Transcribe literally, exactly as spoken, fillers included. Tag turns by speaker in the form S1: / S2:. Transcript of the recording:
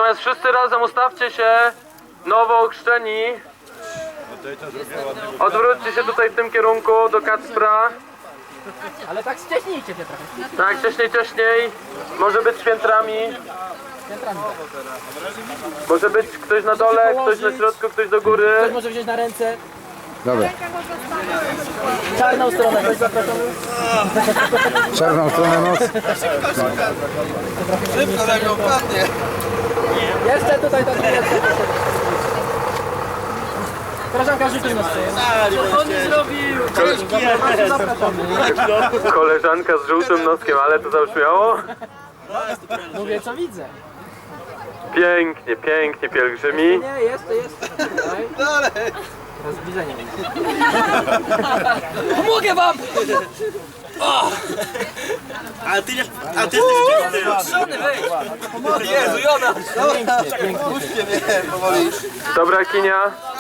S1: Natomiast wszyscy razem ustawcie się, nowo ochrzczeni. Odwróćcie się tutaj w tym kierunku do Kacpra.
S2: Ale tak wcześniejcie się trochę.
S1: Tak, wcześniej, wcześniej. Może być piętrami.
S2: Piętrami.
S1: Może być ktoś na dole, ktoś na środku, ktoś do góry.
S2: Ktoś może wziąć na ręce.
S3: Dobra.
S2: Czarną stronę, ktoś zapraszamy.
S3: Czarną stronę nos.
S4: Szybko tak go padnie.
S2: Jeszcze tutaj to nie jest. Koleżanka, rzucił nas. Co on nie zrobił? Zapraszamy.
S1: Koleżanka z żółtym noskiem, ale to zabrzmiało?
S2: Mówię co widzę.
S1: Pięknie, pięknie, pielgrzymi.
S2: Nie, jest, to jest. Tutaj.
S4: Dalej.
S2: Rozbliżenie.
S5: Pomogę wam!
S4: A ty nie... A ty jesteś
S5: Szony, weź! Jezu, Jona!
S4: Puśćcie mnie powoli.
S1: Dobra, Kinia.